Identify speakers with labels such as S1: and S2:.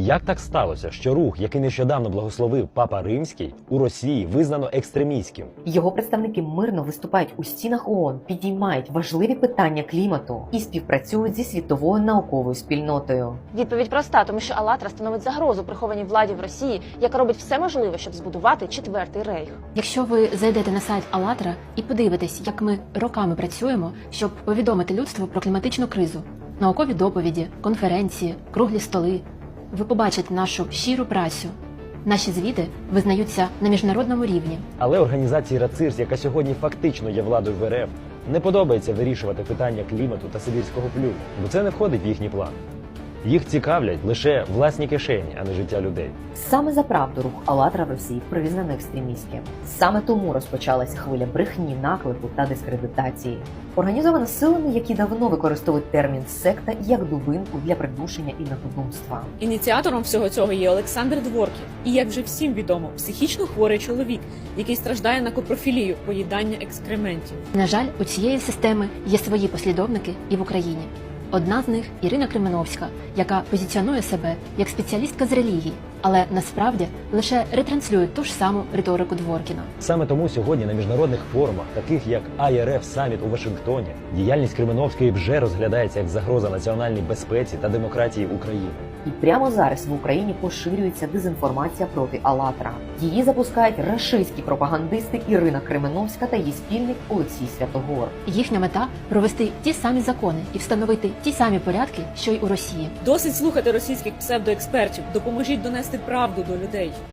S1: Як так сталося, що рух, який нещодавно благословив Папа Римський, у Росії визнано екстремістським?
S2: Його представники мирно виступають у стінах ООН, підіймають важливі питання клімату і співпрацюють зі світовою науковою спільнотою.
S3: Відповідь проста, тому що «АЛЛАТРА» становить загрозу прихованій владі в Росії, яка робить все можливе, щоб збудувати четвертий рейх.
S4: Якщо ви зайдете на сайт «АЛЛАТРА» і подивитесь, як ми роками працюємо, щоб повідомити людству про кліматичну кризу, наукові доповіді, конференції, круглі столи, ви побачите нашу щиру працю. Наші звіти визнаються на міжнародному рівні.
S1: Але організації РАЦИРС, яка сьогодні фактично є владою в РФ, не подобається вирішувати питання клімату та сибірського плюну, бо це не входить в їхні плани. Їх цікавлять лише власні кишені, а не життя людей.
S2: Саме за правду рух «АЛЛАТРА» в Росії признано екстремістським. Саме тому розпочалася хвиля брехні, наклику та дискредитації. Організована силами, які давно використовують термін «секта» як дубинку для придушення інакодумства.
S5: Ініціатором всього цього є Олександр Дворкін. І, як вже всім відомо, психічно хворий чоловік, який страждає на копрофілію – поїдання екскрементів.
S4: На жаль, у цієї системи є свої послідовники і в Україні. Одна з них – Ірина Кременовська, яка позиціонує себе як спеціалістка з релігії, але насправді лише ретранслює ту ж саму риторику Дворкіна.
S1: Саме тому сьогодні на міжнародних форумах, таких як IRF Саміт у Вашингтоні, діяльність Кременовської вже розглядається як загроза національній безпеці та демократії України.
S2: І прямо зараз в Україні поширюється дезінформація проти «АЛЛАТРА». Її запускають рашистські пропагандисти Ірина Кременовська та її спільник Олексій Святогор.
S4: Їхня мета – провести ті самі закони і встановити ті самі порядки, що й у Росії.
S5: Досить слухати російських псевдоекспертів, допоможіть донести правду до людей.